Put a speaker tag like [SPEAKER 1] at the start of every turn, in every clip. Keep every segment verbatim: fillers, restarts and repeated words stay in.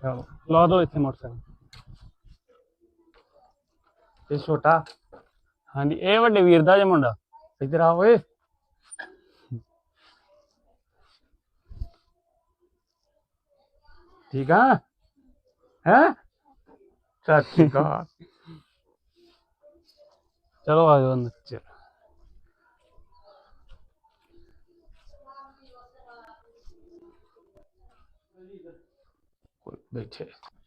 [SPEAKER 1] ਚਲੋ ਲਾ ਦੋ ਇੱਥੇ ਮੋਟਰਸਾਈਕਲ। ਇਹ ਛੋਟਾ ਹਾਂਜੀ ਇਹ ਵੱਡੇ ਵੀਰ ਦਾ ਜੇ ਮੁੰਡਾ ਇੱਧਰ ਆ ਓਏ। ਠੀਕ ਆ ਹੈ ਸਤਿ ਸ਼੍ਰੀ ਅਕਾਲ। ਚਲੋ ਆ ਜਾਓ ਅੰਦਰ ਚਲ ਬੈਠੇ।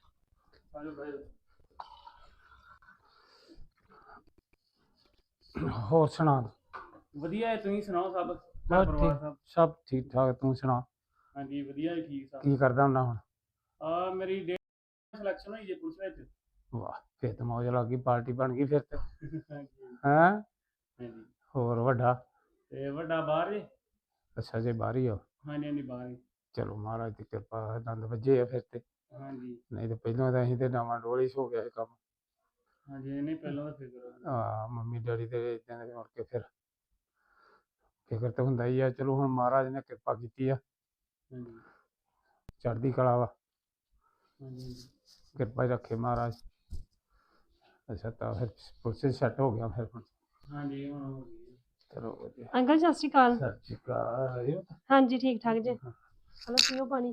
[SPEAKER 1] ਹੋਰ ਸੁਣਾ
[SPEAKER 2] ਵਧੀਆ ਹੈ ਤੁਸੀਂ ਸੁਣਾਓ ਸਭ
[SPEAKER 1] ਬਸ ਠੀਕ ਸਭ ਠੀਕ ਠਾਕ ਤੂੰ ਸੁਣਾ।
[SPEAKER 2] ਹਾਂਜੀ ਵਧੀਆ ਠੀਕ ਸਭ।
[SPEAKER 1] ਕੀ ਕਰਦਾ ਹੁੰਦਾ ਹੁਣ?
[SPEAKER 2] ਆ ਮੇਰੀ ਡੇਟ ਸਿਲੈਕਸ਼ਨ ਹੋਈ ਜੇ ਪੁਲਿਸ ਵਿੱਚ।
[SPEAKER 1] ਵਾਹ ਫਿਰ ਤਾਂ ਮੌਜ ਲੱਗ ਗਈ ਪਾਰਟੀ ਬਣ ਗਈ ਫਿਰ ਤੇ ਹੈਂ।
[SPEAKER 2] ਹਾਂਜੀ
[SPEAKER 1] ਹੋਰ ਵੱਡਾ
[SPEAKER 2] ਤੇ ਵੱਡਾ ਬਾਹਰ ਜੇ।
[SPEAKER 1] ਅੱਛਾ ਜੇ ਬਾਹਰ ਹੀ ਹੋ।
[SPEAKER 2] ਹਾਂਜੀ ਹਾਂਜੀ ਬਾਹਰ ਹੀ।
[SPEAKER 1] ਚਲੋ ਮਹਾਰਾਜ ਦੀ ਕਿਰਪਾ ਦੰਦ ਵੱਜੇ ਆ ਫਿਰ ਤੇ।
[SPEAKER 2] ਹਾਂਜੀ
[SPEAKER 1] ਨਹੀਂ ਤੇ ਪਹਿਲਾਂ ਤਾਂ ਅਸੀਂ ਤੇ ਨਵਾਂ ਡੋਲੀ ਹੋ ਗਿਆ ਇਹ ਕੰਮ।
[SPEAKER 2] ਹਾਂਜੀ ਨਹੀਂ ਪਹਿਲਾਂ ਤਾਂ ਫਿਕਰ
[SPEAKER 1] ਹਾਂ ਮੰਮੀ ਡੈਡੀ ਦੇ ਇਦਾਂ ਦੇ ਮੁੜ ਕੇ ਫਿਰ ਫਿਕਰ ਤਾਂ ਹੁੰਦਾ ਹੀ ਆ। ਚਲੋ ਹੁਣ ਮਹਾਰਾਜ ਨੇ ਕਿਰਪਾ ਕੀਤੀ ਆ।
[SPEAKER 2] ਹਾਂਜੀ
[SPEAKER 1] ਚੜ੍ਹਦੀ ਕਲਾ ਵਾ।
[SPEAKER 2] ਹਾਂਜੀ
[SPEAKER 1] ਕਿਰਪਾ ਹੀ ਰੱਖੇ ਮਹਾਰਾਜ। ਅੱਛਾ ਤਾਂ ਫਿਰ ਪੁਲਿਸ ਸੈੱਟ ਹੋ ਗਿਆ ਫਿਰ ਹੁਣ।
[SPEAKER 2] ਹਾਂਜੀ ਹੁਣ ਹੋ ਗਈ।
[SPEAKER 1] ਚਲੋ ਵਧੀਆ।
[SPEAKER 3] ਅੰਕਲ ਸਤਿ ਸ਼੍ਰੀ ਅਕਾਲ।
[SPEAKER 1] ਸਤਿ ਸ਼੍ਰੀ ਅਕਾਲ।
[SPEAKER 3] ਹਾਂਜੀ ਠੀਕ ਠਾਕ ਜੀ। ਚਲੋ ਪੀਓ ਪਾਣੀ।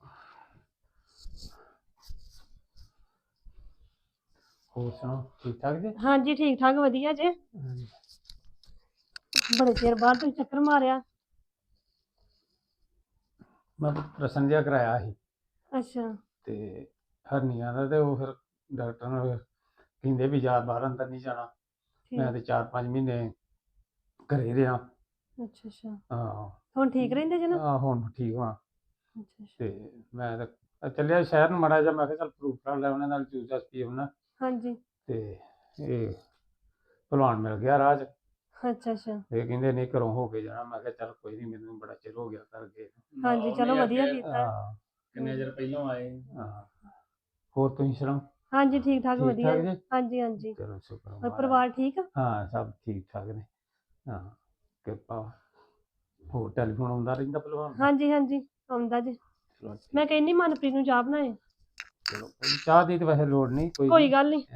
[SPEAKER 1] ਹੋਰ ਸੁਣਾਓ ਠੀਕ ਠਾਕ ਜੀ?
[SPEAKER 3] ਹਾਂਜੀ ਠੀਕ ਠਾਕ ਵਧੀਆ ਜੇ। ਬੜੇ ਚਿਰ ਬਾਅਦ ਤੁਸੀਂ ਚੱਕਰ ਮਾਰਿਆ।
[SPEAKER 1] ਮੈਂ ਪ੍ਰਸ਼ਨ ਜਿਹਾ ਕਰਾਇਆ ਸੀ
[SPEAKER 3] ਅੱਛਾ
[SPEAKER 1] ਤੇ ਹਰਨੀਆਂ ਦਾ ਤੇ ਉਹ ਫਿਰ ਡਾਕਟਰ ਨੇ ਕਹਿੰਦੇ ਵੀ ਜ਼ਿਆਦਾ ਬਾਹਰ ਅੰਦਰ ਨਹੀਂ ਜਾਣਾ। ਮੈਂ ਤੇ ਚਾਰ ਪੰਜ ਮਹੀਨੇ ਘਰੇ ਰਿਹਾ।
[SPEAKER 3] ਅੱਛਾ ਅੱਛਾ
[SPEAKER 1] ਹਾਂ
[SPEAKER 3] ਹੁਣ ਠੀਕ ਰਹਿੰਦੇ ਜੇ ਨਾ?
[SPEAKER 1] ਹਾਂ ਹੁਣ ਠੀਕ ਹਾਂ।
[SPEAKER 3] ਅੱਛਾ ਅੱਛਾ
[SPEAKER 1] ਤੇ ਮੈਂ ਤਾਂ ਚੱਲਿਆ ਸ਼ਹਿਰ ਨੂੰ ਮਾੜਾ ਜਿਹਾ। ਮੈਂ ਕਿਹਾ ਚੱਲ ਪ੍ਰੂਫ ਕਰ ਲੈ ਉਹਨਾਂ ਨਾਲ ਜੂਸ ਜਾਸ ਪੀ ਆਉਣਾ।
[SPEAKER 3] ਹਾਂਜੀ
[SPEAKER 1] ਤੇ ਇਹ ਭਲਵਾਨ ਮਿਲ ਗਿਆ ਰਾਹ 'ਚ।
[SPEAKER 3] ਅੱਛਾ ਅੱਛਾ
[SPEAKER 1] ਇਹ ਕਹਿੰਦੇ ਨਹੀਂ ਘਰੋਂ ਹੋ ਕੇ ਜਾਣਾ। ਮੈਂ ਕਿਹਾ ਚੱਲ ਕੋਈ ਨਹੀਂ ਮੈਨੂੰ ਬੜਾ ਚਿਰ ਹੋ ਗਿਆ ਘਰ ਗਏ।
[SPEAKER 3] ਹਾਂਜੀ ਚਲੋ ਵਧੀਆ ਕੀਤਾ।
[SPEAKER 1] ਹਾਂ
[SPEAKER 2] ਕਿੰਨੇ ਚਿਰ ਪਹਿਲਾਂ ਆਏ।
[SPEAKER 1] ਹਾਂ ਹੋਰ ਤੁਸੀਂ ਸੁਣਾਓ?
[SPEAKER 3] ਹਾਂਜੀ ਠੀਕ ਠਾਕ
[SPEAKER 1] ਠੀਕ
[SPEAKER 3] ਵਧੀਆ।
[SPEAKER 1] ਠਾਕ ਜੀ?
[SPEAKER 3] ਹਾਂਜੀ ਹਾਂਜੀ
[SPEAKER 1] ਚਲੋ ਸ਼ੁਕਰ
[SPEAKER 3] ਹੋਰ
[SPEAKER 1] ਮਹਾਰਾਜ।
[SPEAKER 3] ਪਰਿਵਾਰ ਠੀਕ ਆ?
[SPEAKER 1] ਹਾਂ ਸਭ ਠੀਕ ਠਾਕ ਨੇ। ਹਾਂ ਕਿਰਪਾ। ਹੋਰ ਟੈਲੀਫੋਨ ਆਉਂਦਾ ਰਹਿੰਦਾ ਭਲਵਾਨ ਦਾ?
[SPEAKER 3] ਹਾਂਜੀ ਹਾਂਜੀ ਆਉਂਦਾ ਜੀ।
[SPEAKER 1] ਚਲੋ ਠੀਕ।
[SPEAKER 3] ਮੈਂ ਕਹਿੰਦੀ ਮਨਪ੍ਰੀਤ ਨੂੰ ਚਾਹ ਬਣਾਏ।
[SPEAKER 1] ਚਲੋ ਚਾਹ ਦੀ ਤਾਂ ਵੈਸੇ ਲੋੜ ਨਹੀਂ ਕੋਈ
[SPEAKER 3] ਕੋਈ ਗੱਲ ਨਹੀਂ।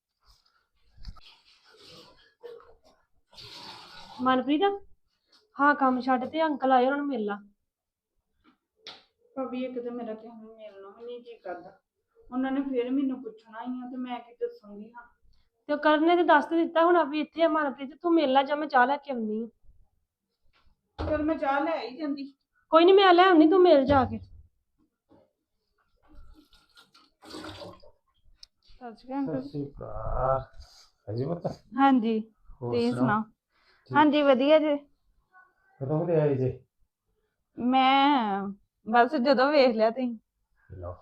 [SPEAKER 3] ਮਨਪ੍ਰੀਤ ਹਾਂ ਕੰਮ ਛੱਡ ਤੇ ਅੰਕਲ ਆਏ ਉਹਨਾਂ ਨੂੰ ਮਿਲ ਲਾ।
[SPEAKER 4] ਭਾਬੀ ਇੱਕ ਤਾਂ ਮੇਰਾ ਤੇ ਹੁਣ ਮਿਲਣਾ ਵੀ ਨਹੀਂ ਜੀ ਕਰਦਾ। ਉਹਨਾਂ ਨੇ ਫਿਰ ਮੈਨੂੰ ਪੁੱਛਣਾ ਹੀ ਆ ਤੇ ਮੈਂ ਕੀ ਦੱਸੂਗੀ ਹਾਂ।
[SPEAKER 3] ਤੇ ਉਹ ਕਰਨ ਨੇ ਤੇ ਦੱਸ ਤੇ ਦਿੱਤਾ ਹੋਣਾ ਵੀ ਇੱਥੇ ਆ ਮਨਪ੍ਰੀਤ ਤੂੰ ਮਿਲ ਲਾ ਜਾਂ ਮੈਂ ਚਾਹ ਲੈ ਕੇ ਆਉਣੀ ਆ।
[SPEAKER 4] ਚਲ ਮੈਂ ਚਾਹ ਲੈ ਹੀ ਜਾਂਦੀ।
[SPEAKER 3] ਕੋਈ ਨਹੀਂ ਮੈਂ ਲੈ ਆਉਣੀ ਤੂੰ ਮਿਲ ਜਾ ਕੇ।
[SPEAKER 4] ਸਤਿ ਸ਼੍ਰੀ ਅਕਾਲ।
[SPEAKER 1] ਸਤਿ ਸ਼੍ਰੀ ਅਕਾਲ। ਅਜੀ ਪਤਾ
[SPEAKER 4] ਹਾਂਜੀ ਤੁਸੀਂ ਸੁਣਾਓ? ਹਾਂਜੀ ਵਧੀਆ ਜੀ।
[SPEAKER 1] ਕਦੋਂ ਦੇ ਆਏ ਜੇ?
[SPEAKER 4] ਮੈਂ ਬਸ ਜਦੋਂ ਵੇਖ ਲਿਆ ਤੁਸੀਂ।
[SPEAKER 1] ਲਓ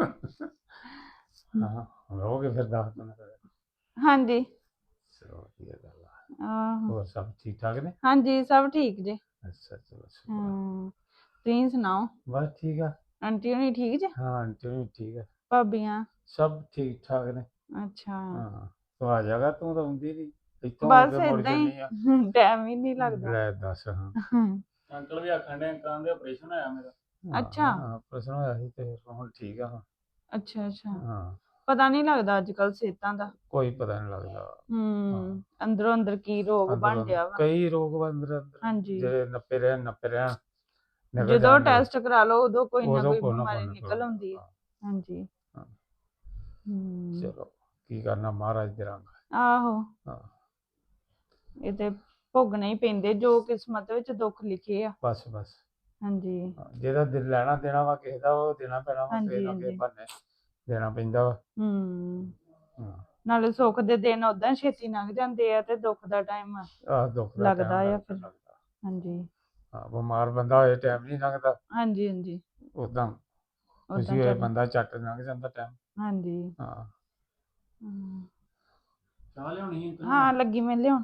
[SPEAKER 1] ਹਾਂ ਰਹੋਗੇ ਫਿਰ ਦਸ ਦਿਨ।
[SPEAKER 4] ਹਾਂਜੀ
[SPEAKER 1] ਚਲੋ ਵਧੀਆ ਗੱਲ ਆ।
[SPEAKER 4] ਆਹੋ
[SPEAKER 1] ਹੋਰ ਸਭ ਠੀਕ ਠਾਕ ਨੇ?
[SPEAKER 4] ਹਾਂਜੀ ਸਭ ਠੀਕ ਜੀ।
[SPEAKER 1] ਅੱਛਾ ਚਲੋ
[SPEAKER 4] ਹਮ ਤੁਸੀਂ ਸੁਣਾਓ?
[SPEAKER 1] ਬਸ ਠੀਕ ਆ।
[SPEAKER 4] ਆਂਟੀ ਹੋਣੀ ਠੀਕ ਜੀ?
[SPEAKER 1] ਹਾਂ ਆਂਟੀ ਵੀ ਠੀਕ ਆ।
[SPEAKER 4] ਭਾਬੀਆਂ
[SPEAKER 1] ਸਭ ਠੀਕ ਠਾਕ ਨੇ।
[SPEAKER 4] ਅੱਛਾ
[SPEAKER 1] ਹਾਂ ਤੂੰ ਆ ਜਾਗਾ ਤੂੰ ਤਾਂ ਆਉਂਦੀ ਨਹੀਂ। ਇੱਥੋਂ ਹੋ
[SPEAKER 4] ਬਸ
[SPEAKER 1] ਕੇ ਮੁੜ
[SPEAKER 4] ਏਦਾਂ ਹੀ
[SPEAKER 1] ਜਾਂਦੀ ਆ।
[SPEAKER 4] ਟਾਈਮ ਹੀ ਨਹੀਂ ਲੱਗਦਾ।
[SPEAKER 1] ਲੈ ਦੱਸ ਹਾਂ।
[SPEAKER 2] ਅੰਕਲ ਵੀ ਆਖਣ ਦੇ ਅੰਕਲਾਂ ਦੇ ਆਪਰੇਸ਼ਨ ਹੋਇਆ ਮੇਰਾ।
[SPEAKER 4] ਅੱਛਾ
[SPEAKER 1] ਹਾਂ ਪ੍ਰਸ਼ਨ ਹੋਇਆ ਸੀ ਤੇ ਹੁਣ ਠੀਕ ਆ।
[SPEAKER 4] ਅੱਛਾ ਅੱਛਾ
[SPEAKER 1] ਹਾਂ
[SPEAKER 4] ਪਤਾ ਨਹੀਂ ਲੱਗਦਾ ਅੱਜ ਕੱਲ ਸਿਹਤਾਂ ਦਾ।
[SPEAKER 1] ਕੋਈ ਪਤਾ ਨਹੀਂ ਲੱਗਦਾ।
[SPEAKER 4] ਹਮ ਅੰਦਰੋਂ ਅੰਦਰ ਕੀ ਰੋਗ ਬਣ ਗਿਆ ਵਾ।
[SPEAKER 1] ਕਈ ਰੋਗ ਅੰਦਰ ਅੰਦਰ
[SPEAKER 4] ਹਾਂਜੀ
[SPEAKER 1] ਜਿਹੜੇ ਨੱਪੇ ਰਹਿਣ ਨੱਪੇ ਰਹਿਣ ਨਿਕਲ
[SPEAKER 4] ਜਦੋਂ
[SPEAKER 1] ਜਾਣਗੇ।
[SPEAKER 4] ਟੈਸਟ ਕਰਾ ਲਓ ਉਦੋਂ ਕੋਈ ਨਾ
[SPEAKER 1] ਉਦੋਂ
[SPEAKER 4] ਕੋਈ
[SPEAKER 1] ਕੋਈ ਨਾ
[SPEAKER 4] ਬਿਮਾਰੀ
[SPEAKER 1] ਕੋਈ
[SPEAKER 4] ਨਿਕਲ ਆਉਂਦੀ ਹੈ। ਹਾਂਜੀ
[SPEAKER 1] ਹਾਂ
[SPEAKER 4] ਹਮ
[SPEAKER 1] ਚਲੋ ਕੀ ਕਰਨਾ ਮਹਾਰਾਜ ਦੇ ਰੰਗ।
[SPEAKER 4] ਆਹੋ
[SPEAKER 1] ਹਾਂ
[SPEAKER 4] ਇਹ ਤੇ ਭੋਗਣੇ ਹੀ ਪੈਂਦੇ ਜੋ ਕਿਸਮਤ ਵਿੱਚ ਦੁੱਖ ਲਿਖੇ ਆ।
[SPEAKER 1] ਬਸ ਬਸ
[SPEAKER 4] ਹਾਂਜੀ
[SPEAKER 1] ਜਿਹਦਾ ਦਿਲ ਲੈਣਾ ਦੇਣਾ ਵਾ ਕਿਸੇ ਦਾ ਉਹ ਦੇਣਾ ਪੈਣਾ ਵਾ। ਕਿਸੇ
[SPEAKER 4] ਹਾਂਜੀ
[SPEAKER 1] ਨਾ ਕਿਸੇ
[SPEAKER 4] ਹਾਂਜੀ
[SPEAKER 1] ਬਹਾਨੇ ਦੇਣਾ ਪੈਂਦਾ ਵਾ।
[SPEAKER 4] ਹਮ
[SPEAKER 1] ਹਾਂ
[SPEAKER 4] ਨਾਲੇ ਸੁੱਖ ਦੇ ਦਿਨ ਓਦਾਂ ਛੇਤੀ ਲੰਘ ਜਾਂਦੇ ਆ ਤੇ ਦੁੱਖ ਦਾ ਟਾਈਮ
[SPEAKER 1] ਆਹ ਦੁੱਖ ਦਾ
[SPEAKER 4] ਲੱਗਦਾ
[SPEAKER 1] ਟਾਈਮ
[SPEAKER 4] ਆ ਫਿਰ।
[SPEAKER 1] ਲੱਗਦਾ।
[SPEAKER 4] ਹਾਂਜੀ
[SPEAKER 1] ਹਾਂ ਬਿਮਾਰ ਬੰਦਾ ਹੋਏ ਟਾਈਮ ਨਹੀਂ ਲੰਘਦਾ।
[SPEAKER 4] ਹਾਂਜੀ ਹਾਂਜੀ
[SPEAKER 1] ਉਦਾਂ
[SPEAKER 4] ਓਦਾਂ
[SPEAKER 1] ਖੁਸ਼ੀ ਹੋਏ
[SPEAKER 4] ਚੱਲ
[SPEAKER 1] ਬੰਦਾ ਝੱਟ ਲੰਘ ਜਾਂਦਾ ਟਾਈਮ।
[SPEAKER 4] ਹਾਂਜੀ
[SPEAKER 1] ਹਾਂ
[SPEAKER 4] ਹਮ
[SPEAKER 2] ਚਾਹ ਲਿਆਉਣੀ ਹੈ?
[SPEAKER 4] ਹਾਂ ਲੱਗੀ ਮੈਂ ਲਿਆਉਣ।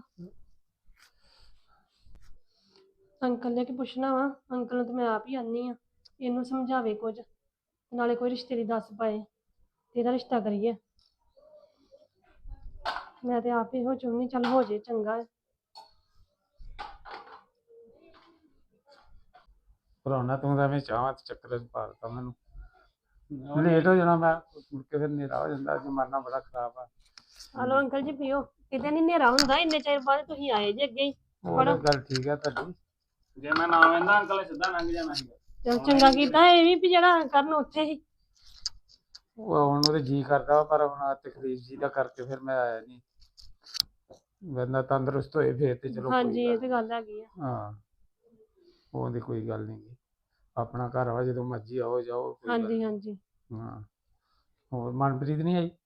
[SPEAKER 3] ਅੰਕਲ ਨੇ ਕੀ ਪੁੱਛਣਾ ਵਾ। ਅੰਕਲ ਨੂੰ ਤਾਂ ਮੈਂ ਆਪ ਹੀ ਆਨੀ ਆ ਇਹਨੂੰ ਸਮਝਾਵੇ ਕੁਝ ਨਾਲੇ ਕੋਈ ਰਿਸ਼ਤੇ ਦੀ ਦੱਸ ਪਾਏ ਤੇ ਇਹਦਾ ਰਿਸ਼ਤਾ ਕਰੀਏ। ਮੈਂ ਤੇ ਆਪ ਇਹੋ ਚਾਹੁੰਦੀ ਚੱਲ ਹੋ ਜੇ ਚੰਗਾ।
[SPEAKER 1] ਭਰਾਉਣਾ ਤੂੰ ਤਾਂ ਐਵੇਂ ਚਾਹਾਂ ਤੇ ਚੱਕਰ ਚ ਪਾ ਦਿੱਤਾ ਮੈਨੂੰ। ਲੇਟ ਹੋ ਜਾਣਾ ਮੈਂ ਮੁੜ ਕੇ ਫਿਰ ਹਨੇਰਾ ਹੋ ਜਾਂਦਾ ਜ਼ਮਾਨਾ ਬੜਾ ਖਰਾਬ ਆ।
[SPEAKER 3] ਹਲੋ ਅੰਕਲ ਜੀ ਪੀਓ, ਕਿਤੇ ਨਹੀਂ ਹਨੇਰਾ ਹੁੰਦਾ, ਇੰਨੇ ਚਿਰ ਬਾਅਦ ਤੁਸੀਂ ਆਏ ਜੇ ਅੱਗੇ ਹੀ।
[SPEAKER 1] ਉਹ ਤਾਂ ਗੱਲ ਠੀਕ ਆ ਤੁਹਾਡੀ।
[SPEAKER 2] ਜੇ ਮੈਂ ਨਾ ਆਉਂਦਾ ਅੰਕਲ ਨੇ ਸਿੱਧਾ ਲੰਘ ਜਾਣਾ ਸੀਗਾ।
[SPEAKER 3] ਚਲ ਚੰਗਾ ਕੀਤਾ ਇਹ ਵੀ ਵੀ ਜਿਹੜਾ ਕਰਨ ਉੱਥੇ ਹੀ।
[SPEAKER 1] ਉਹ ਹੁਣ ਉਹਦੇ ਜੀ ਕਰਦਾ ਵਾ, ਪਰ ਹੁਣ ਤਕਲੀਫ ਜੀ ਦਾ ਕਰਕੇ ਫਿਰ ਮੈਂ ਆਇਆ ਨਹੀਂ। ਬੰਦਾ ਤੰਦਰੁਸਤ ਹੋਏ ਫਿਰ ਤੇ ਚਲੋ
[SPEAKER 3] ਹਾਂਜੀ
[SPEAKER 1] ਕੋਈ
[SPEAKER 3] ਇਹ ਤੇ ਗੱਲ ਹੈਗੀ ਆ।
[SPEAKER 1] ਹਾਂ ਉਹਦੀ ਕੋਈ ਗੱਲ ਨਹੀਂ ਗੀ। ਆਪਣਾ ਘਰ ਵਾ, ਜਦੋਂ ਮਰਜ਼ੀ ਆਓ ਜਾਓ ਕੋਈ ਗੱਲ
[SPEAKER 3] ਹਾਂਜੀ
[SPEAKER 1] ਨੀ।
[SPEAKER 3] ਹਾਂਜੀ।
[SPEAKER 1] ਹਾਂ ਹੋਰ ਮਨਪ੍ਰੀਤ ਨਹੀਂ ਆਈ?